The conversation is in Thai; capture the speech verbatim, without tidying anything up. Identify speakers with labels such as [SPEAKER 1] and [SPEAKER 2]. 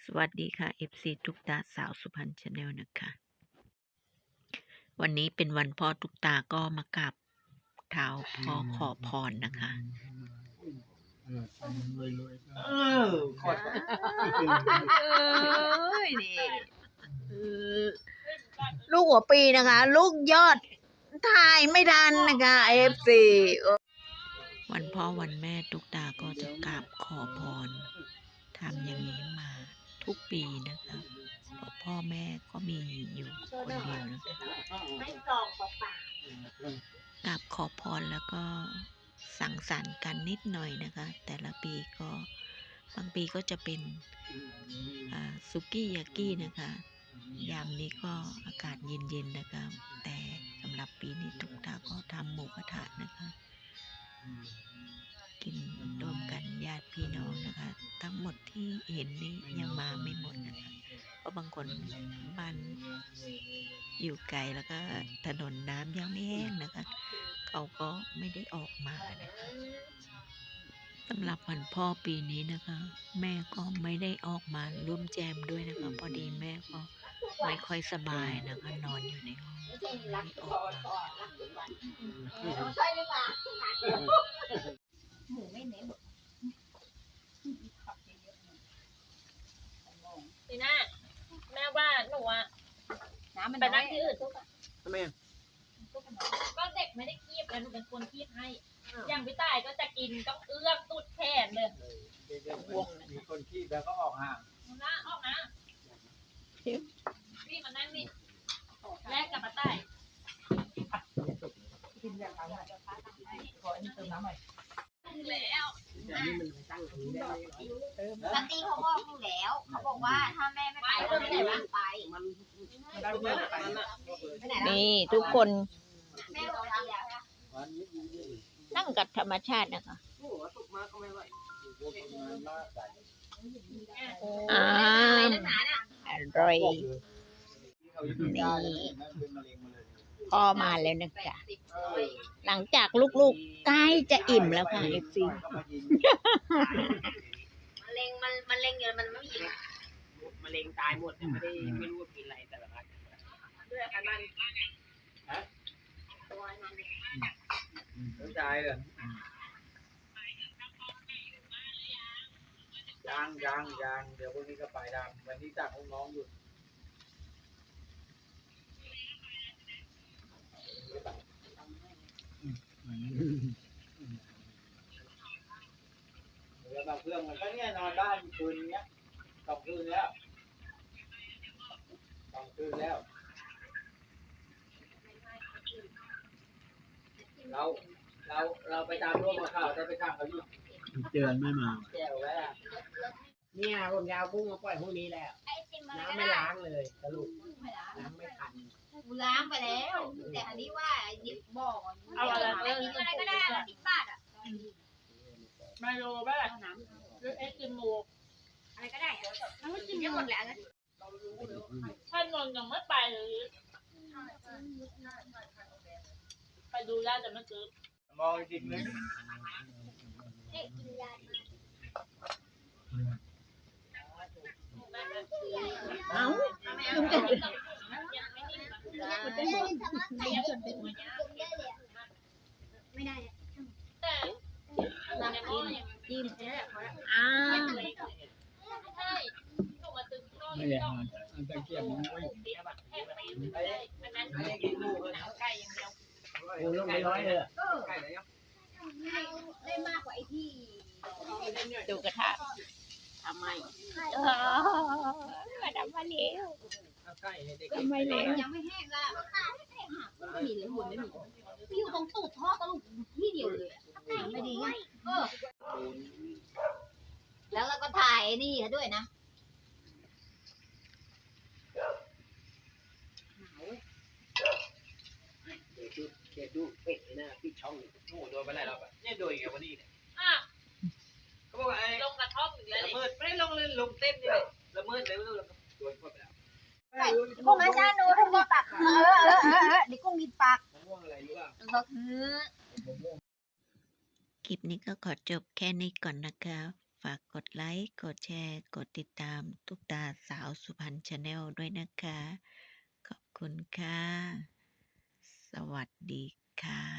[SPEAKER 1] วัสดีค่ะ เอฟ ซี ตุ๊กตาสาวสุพรรณชาแนลนะคะ วันนี้เป็นวันพ่อตุ๊กตาก็มากราบเท้าพ่อขอพรนะคะ
[SPEAKER 2] เออขอด
[SPEAKER 1] เอ้ยนี่ลูกหัวปีนะคะ ลูกยอดถ่ายไม่ทันนะคะ เอฟ ซี วันพ่อวันแม่ตุ๊กตาก็จะกราบขอพรทำอย่างนี้มาทุกปีนะคะเพราะพ่อแม่ก็มีอยู่คนเดียวนะคะกราบขอพรแล้วก็สังสรรค์กันนิดหน่อยนะคะแต่ละปีก็บางปีก็จะเป็นซุกี้ยากินะคะยามนี้ก็อากาศเย็นๆนะคะแต่สำหรับปีนี้ตุ๊กตาก็ทำหมูกระทะนะคะกินร่วมกันญาติพี่น้องนะคะทั้งหมดที่เห็นนี้ยังมาไม่หมดนะคะเพราะบางคนบ้านอยู่ไกลแล้วก็ถนนน้ำยังไม่แห้งนะคะเขาก็ไม่ได้ออกมานะคะสำหรับวันพ่อปีนี้นะคะแม่ก็ไม่ได้ออกมาร่วมแจมด้วยนะคะพอดีแม่ก็ไม่ค่อยสบายนะคะนอนอยู่ในห้องไม่ได้ออกมา
[SPEAKER 3] หมูไม่เน้นทีน่าแม่ว่าหนูอะไปนั่งที่อื่น
[SPEAKER 2] ทำไมอ่ะ
[SPEAKER 3] ก็เด็กไม่ได้คีบแล้วหนูเป็นคนคีบให้อย่างพี่ต่ายก็จะกินต้องเอื้อมตุดแขนเลย
[SPEAKER 2] มีคนขี้แล้วก็ออกห่าง
[SPEAKER 3] นะออกนะพี่มานั่งนี่แลกกับป้าต่ายกินแบบนั้นขออันนี้เติมน้ำหน่อยแล้ว
[SPEAKER 4] ลัตตี้เขาบอกอยู่แล้วเขาบอกว่าถ้าแม่ไม่ไปก็ไม่ได้บ้านไป
[SPEAKER 1] นี่ทุกคน
[SPEAKER 4] แม่บอกแล้วนะ
[SPEAKER 1] นั่งกับธรรมชาตินะคะอ่าอร่อยนี่พ่อมาแล้วนะคะหลังจากลูกๆใกล้จะอิ่มแล้วค่ะเอฟซี
[SPEAKER 4] มะเร็งมันมะเร็งเยอะมันไม่มี
[SPEAKER 2] มะเร็งตายหมดไม่ได้ไม่รู้ว่ากินอะไรแต่ละครั้งด้วยอันนั้นฮะตัวนั้นต้องตายเหรอยังยังยังเดี๋ยวพรุ่งนี้ก็ไปดำวันนี้จากน้องๆอยู่แล้วบางเพื่อนมันก็เนี่ยนอนบ้านคืนเนี้ยสองคืนแล้วสองคืนแล้วเราเราเราไปตามร่วมกับข่าวได้ไปข้างเขาอยู่
[SPEAKER 5] เตือนไม่มา
[SPEAKER 2] แก้วแล้เนี่ยผมยาวกุ้งมาปล่อยพวกนี้แล้วน้ำไม่ล้างเลยสรุปล้างไม่ทัน
[SPEAKER 4] ล้างไปแล้วแต่อันนี้ว่าหยิบบอกเอาอะไรกินอะไรก็ได้สิบบาทอ่ะ
[SPEAKER 3] ไมโลบ้างน้ำหรือเอสติโม
[SPEAKER 4] อะไรก็ได้ทั้งกินได้หมดแหละ
[SPEAKER 3] ท่านนนท์ยังไม่ไปเลยไปดูได้แต่ไม่เจอ
[SPEAKER 2] มองจริงเลย
[SPEAKER 1] เอ้า
[SPEAKER 4] ไม่ได้
[SPEAKER 3] แต่
[SPEAKER 1] จิ้มอ้าว
[SPEAKER 5] ไม่ได้อ่านอันตะเกียบมันไม่
[SPEAKER 3] อันนั้นกินหมูหนังไก่อย่างเดียว
[SPEAKER 2] โอ้ลงไปร้อยเลยไก่ไหนอ่ะ
[SPEAKER 4] ได้มากกว่าไอ้ที่
[SPEAKER 1] ดูกระทะทำไมมาทำมาเลี้ยวทำไมเลี้ยว
[SPEAKER 4] ยังไม่แห้งละไม่มีเลยหุ่นไม่มีอยู่ตรงตูดท่อตลกที่เดียวเลยไม่ดีไงเออแล้วเราก็ถ่ายนี่ด้วยนะ
[SPEAKER 2] เขียนดูเป็ดนะพี่ช่องโอ้โดนไปไหนเราแบบเนี่ยโดนอีกวันนี้เนี่ยเขาบอกว่าไอ้
[SPEAKER 3] ลงกระท่อมอีกแล้ว
[SPEAKER 2] ละเมิดไม่ได้ลงเลยลงเต้นนี่เลยละเมิดเลยไม่รู้โดนเข้าไปแล้ว
[SPEAKER 4] กุ้งอาจารย์หนูทำมีปากเออเออเออเออนี่กุ้งมีปาก
[SPEAKER 2] ม่วงอะไรรู้ป่ะ
[SPEAKER 4] ก็คือ
[SPEAKER 1] คลิปนี้ก็ขอจบแค่นี้ก่อนนะคะฝากกดไลค์ กดแชร์ กดติดตามตุ๊กตาสาวสุพรรณชาแนลด้วยนะคะ ขอบคุณค่ะ สวัสดีค่ะ